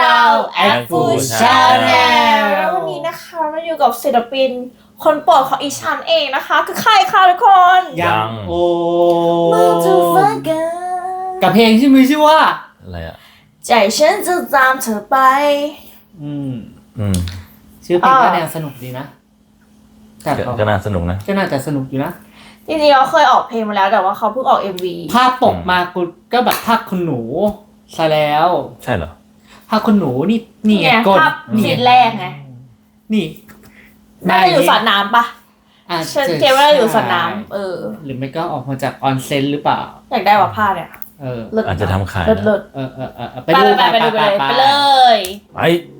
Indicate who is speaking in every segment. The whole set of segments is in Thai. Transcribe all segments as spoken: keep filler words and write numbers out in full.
Speaker 1: เราแอปฟูชาแนลวันนี้นะคะมาอยู่กับศิลปินคนโปรดของอีชันเองนะคะคือใครคะทุกคน
Speaker 2: ยังโอ
Speaker 1: มาจูฟังกัน
Speaker 2: กับเพลงที่มีชื่อว่า
Speaker 3: อะไรอ่ะ
Speaker 1: ใจฉันจะตามเธอไป
Speaker 2: อืม
Speaker 3: อืม
Speaker 2: ชื่อเพลงก็แนวสนุกดีนะ
Speaker 3: แต่ก็น่าสนุกนะ
Speaker 2: ก็น่าจะสนุกอยู่นะ
Speaker 1: จริงๆเขาเคยออกเพลงมาแล้วแต่ว่าเขาเพิ่งออก เอ็ม วี
Speaker 2: ภาพปกมากูก็แบบภาพคุณหนูซะแล้ว
Speaker 3: ใช่เหรอ
Speaker 2: ภาพคุณหนูนี่นี่ไง
Speaker 1: กดนี่ซีนแรกไง
Speaker 2: นี่
Speaker 1: น่าจะอยู่สระน้ำปะฉันเกมว่าอยู่สระน้ำเออ
Speaker 2: หรือไม่ก็ออกมาจากออนเซ็นหรือเปล่า
Speaker 1: อยากได้ว่าผ้าเนี่ย
Speaker 2: เออ
Speaker 3: อาจจะทำขาย
Speaker 1: เลิศ
Speaker 2: เออเออเออ
Speaker 1: ไปดูไปดูไปไปเลย
Speaker 3: ไป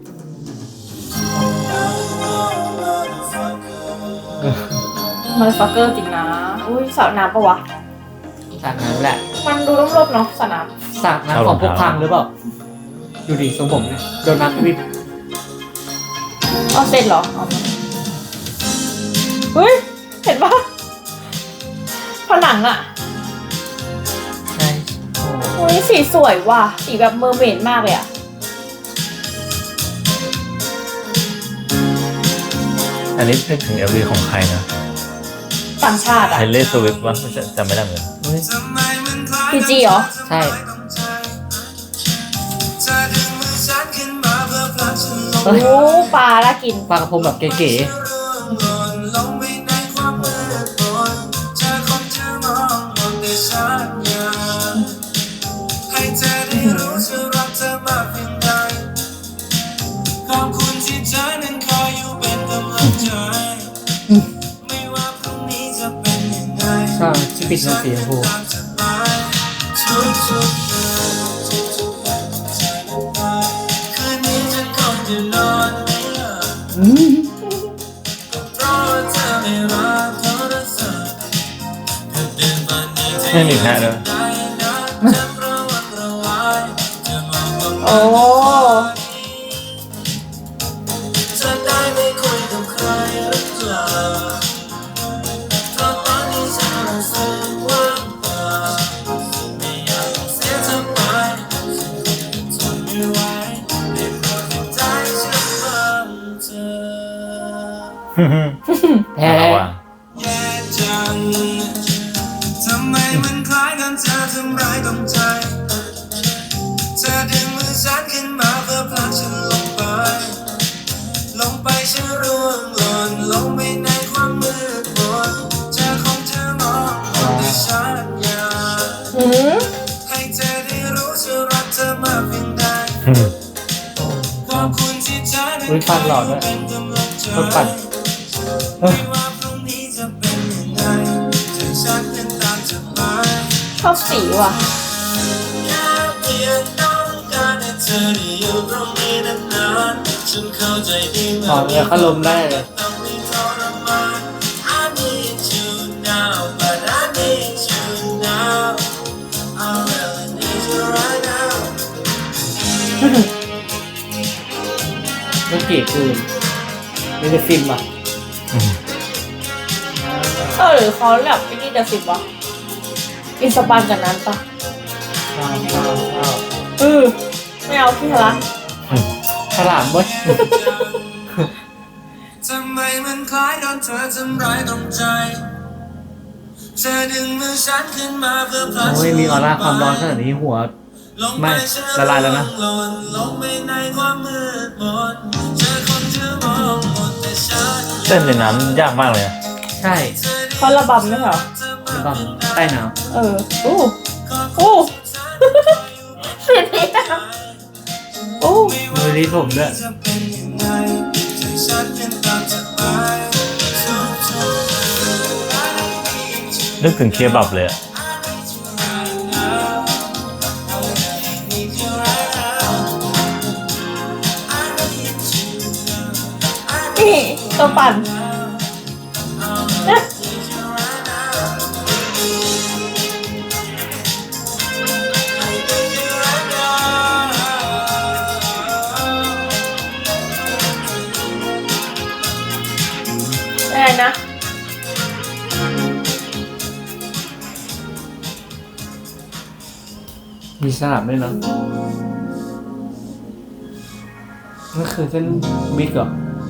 Speaker 1: มันฟักเกอร์จริงนะอุ้ยสระน้ำปะวะ
Speaker 2: สระน้ำแหละ
Speaker 1: มันดูร่มๆเนาะสระน้
Speaker 2: ำสระน้ำของพวกพังหรือเปล่าดูดิทรงผมเนี่ยโดนน้ำวิบ
Speaker 1: เอาเสร็จเหรอเฮ้ยเห็นปะผนังอะ
Speaker 2: ใช่
Speaker 1: โอ้ยสีสวยว่ะสีแบบเมอร์เมดมากเลยอะ
Speaker 3: อันนี้นึกถึง เอ็ม วี ของใครนะ
Speaker 1: ต่างชาติอะ
Speaker 3: ไทเลอร์สวิฟต์วะไม่ใช่จำไม่ได้เหมือน
Speaker 1: พีจีเหรอ
Speaker 2: ใช่
Speaker 1: โอ้ปลาละกิน
Speaker 2: ปลากระพงแบบเก๋ๆชอบที่ปิดน้ำเสียงพู
Speaker 3: ไม่มีแค่เลย
Speaker 1: โอ้
Speaker 2: แท้
Speaker 4: ทำไมมันคล้ายกันเธอทำร้ายตรงใจเธอดึงมือฉันขึ้นมาเพื่อพาฉันลงไปลงไปฉันร่วงหล่นลงไปในความมืดมนเธอคงจะมองแต่ฉันอยากให้เธอได้รู้ฉันรักเธอมากเพียงใดขอบคุณที่เธอได้คอยเป็นกำลังใจไม่ว่าพรุ่งนี้จะเป็นยังไงฉันยังตามเธอไป
Speaker 1: ชอบสีว่ะ
Speaker 4: แค่เพียงต้องการให้เธอได้อยู่ตรงนี้นานๆฉันเข้าใจดีเมื่อ
Speaker 2: เนี่ยเขาลมได้เลย
Speaker 4: ต้องมีทรมาน I need you now but I need you now I really need you right now
Speaker 2: ไม่เกลียดคืนไม่ได้ฟิล์มอ่ะ
Speaker 1: เออหรือเขาแบบไม่นี่เดอะสิบวะอินสปายจากนั้นปะ
Speaker 2: ว้าวว้าวว้าว
Speaker 1: เออไม่เอาพี่ละ
Speaker 2: ฉลามเว้ย
Speaker 4: ทำไมมันคล้ายโดนเธอทำร้ายตรงใจเธอดึงมือฉันขึ้นมาเพื่อพาฉัน
Speaker 2: โอ้ยมีออร่าความร้อนขนาดนี้หัวไม่ละลายแล้วนะ
Speaker 3: เต้นในน้ำยากมากเลย
Speaker 2: ใช่
Speaker 1: เขาระบำไม่เหรอ
Speaker 2: ระบำใต้น้
Speaker 1: ำเออโอ้โอ้เสียดีนะโอ้
Speaker 2: มือรีดผมด้วย
Speaker 3: นึกถึงเคบับเลยอะ
Speaker 1: นี่ตัวปั่นอะไรนะ
Speaker 2: มีฉลามด้วยเนาะนั่นคือเส้นบิ๊กเหรอ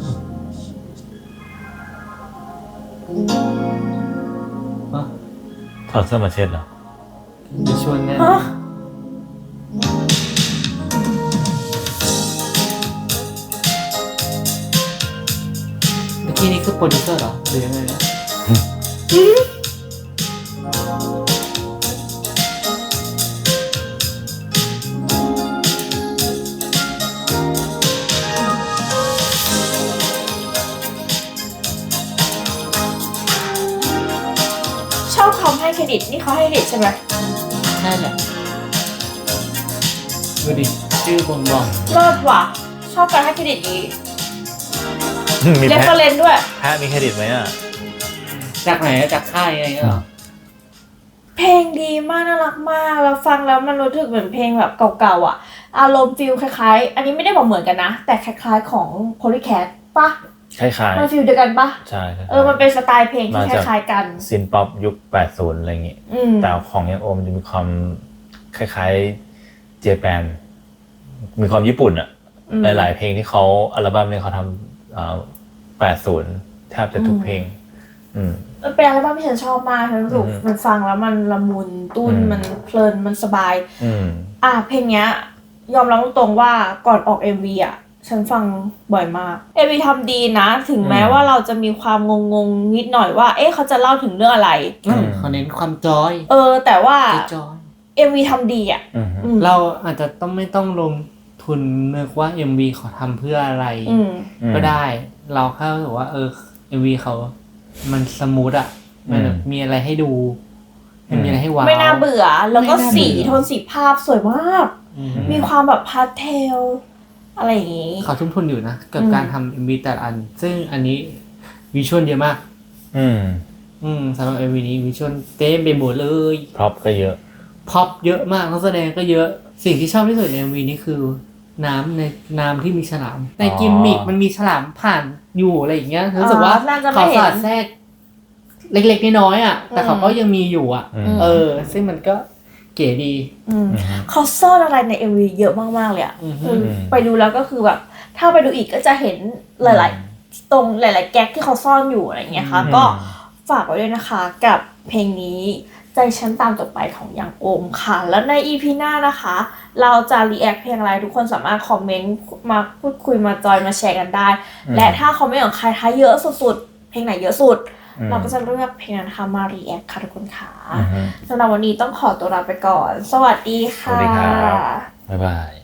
Speaker 2: ฮะ
Speaker 3: ถอดเสื้อมาเช็ดเหรอ
Speaker 2: จะชวนแน่
Speaker 1: ฮะ
Speaker 2: เมื่อกี้นี่คือโปรดิวเซอร์เหรอหรือยังไงนะ
Speaker 1: ชอบคำให้เครดิตนี่เขาให้เครดิตใช่ไหม
Speaker 2: ใช่แหละดูดิชื่อบ่งบอก
Speaker 1: รอดว่ะชอบการให้เครดิตนี้
Speaker 3: มี
Speaker 1: เรฟ
Speaker 3: แพะ
Speaker 1: เฟอเรนซ์ด้วย
Speaker 3: แพะมีเครดิตไหมอ่ะ
Speaker 2: จากไหนอะจากค่ายอะไรเงี้ยเหรอ
Speaker 1: เพลงดีมากน่ารักมากแล้วฟังแล้วมันรู้สึกเหมือนเพลงแบบเก่าๆอ่ะอารมณ์ฟิลคล้ายๆอันนี้ไม่ได้บอกเหมือนกันนะแต่คล้ายๆของ Polycat ปะ
Speaker 3: คล้าย
Speaker 1: มันฟิลเดียวกันปะ
Speaker 3: ๆใช่คล้ายๆ
Speaker 1: เออมันเป็นสไตล์เพลงที่
Speaker 3: มา
Speaker 1: ค
Speaker 3: จาก
Speaker 1: ล้ายๆกัน
Speaker 3: ซินป๊อปยุคแปดสิบอะไรอย่างงี้
Speaker 1: อืม
Speaker 3: แต่ของยังโอมจะมีความคล้ายๆเจแปนมีความญี่ปุ่นอ่ะ
Speaker 1: อืม
Speaker 3: หลายๆเพลงที่เขาอัลบั้มเนี่ยเขาทำอ่าแปดสิบแทบจะทุกเพลง อืม
Speaker 1: มันเป็นอัลบั้มที่ฉันชอบมากฉันรู้สึก
Speaker 3: อืม
Speaker 1: มันฟังแล้วมันละมุนตุ้น
Speaker 3: อืม
Speaker 1: มันเพลินมันสบาย
Speaker 3: อืม
Speaker 1: อ่ะเพลงเนี้ยยอมรับตรงๆว่าก่อนออก เอ็ม วี อ่ะฉันฟังบ่อยมาก เอ็ม วี ทำดีนะ ถึงแม้
Speaker 3: อืม
Speaker 1: ว่าเราจะมีความงงๆนิดหน่อยว่า เอ๊ะเขาจะเล่าถึงเรื่องอะไร
Speaker 2: อืมเขาเน้นความจอย
Speaker 1: เออ แต่ว่า
Speaker 2: จอย
Speaker 1: เอ็ม วี ทำดีอ่ะ
Speaker 3: อืม
Speaker 1: อืม
Speaker 2: เราอาจจะต้องไม่ต้องลงทุนนึกว่า เอ็ม วี เขาทำเพื่ออะไร
Speaker 1: อืม
Speaker 2: ก็ได้ เราแค่รู้สึกว่า เออ เอ็ม วี เขา มันสมูทอ่ะ มันแบบมีอะไรให้ดู มันมีอะไรให้ว้าว
Speaker 1: ไม่น่าเบื่อ แล้วก็
Speaker 2: ไม่น่าเบื่อ
Speaker 1: สีโทนสีภาพสวยมาก
Speaker 2: อืม
Speaker 1: มีความแบบพาสเทลอะไรอย่างงี้
Speaker 2: เขาทุ่มทุนอยู่นะกับ
Speaker 1: อืม
Speaker 2: การทำ เอ็ม วี แต่ละอัน ซึ่งอันนี้วิชวลเยอะมาก
Speaker 3: อืม
Speaker 2: อืมสำหรับ เอ็ม วี นี้วิชวลเต็มไปหมดเลย
Speaker 3: พร็อพก็เยอะ
Speaker 2: พ็อปเยอะมากนักแสดงก็เยอะ สิ่งที่ชอบที่สุดใน เอ็ม วี นี้คือ น้ำในน้ำที่มีฉลาม ในกิมมิกมันมีฉลามผ่านอยู่อะไรอย่างเงี้ยรู้สึกว่า
Speaker 1: อ๋อน่าจะไม่
Speaker 2: เขา
Speaker 1: เห็น
Speaker 2: สอดแทรกเล็กๆน้อยๆอ่ะ แต่เขาก็ยังมีอยู่อ่ะ
Speaker 3: อืม
Speaker 2: เออ ซึ่งมันก็เก๋ดี
Speaker 1: อืม
Speaker 3: อืม
Speaker 1: เขาซ่อนอะไรใน เอ็ม วี เยอะมากๆเลยอ่ะ
Speaker 2: อืม
Speaker 1: คือไปดูแล้วก็คือแบบ ถ้าไปดูอีกก็จะเห็นหลายๆ ตรงหลาย ๆ แก๊กที่เขาซ่อนอยู่อะไรอย่างเงี้ยค่ะ
Speaker 3: อืม
Speaker 1: ก็ฝากไว้ด้วยนะคะกับเพลงนี้ใจฉันตามต่อไปของยังโอมค่ะ แล้วใน อี พี หน้านะคะ เราจะรีแอคเพลงอะไรทุกคนสามารถคอมเมนต์มาพูดคุยมาจอยมาแชร์กันได้
Speaker 3: อืม
Speaker 1: และถ้าคอมเมนต์ของใครท้ายเยอะสุดๆ เพลงไหนเยอะสุด
Speaker 3: อืม
Speaker 1: เราก็จะเลือกเพลงนั้นนะคะมารีแอคค่ะทุกคนค่ะ
Speaker 3: อืม
Speaker 1: สำหรับวันนี้ต้องขอตัวลาไปก่อน สวัสดี
Speaker 3: ส
Speaker 1: ค่ะ
Speaker 3: วัสดีครับ บ๊ายบาย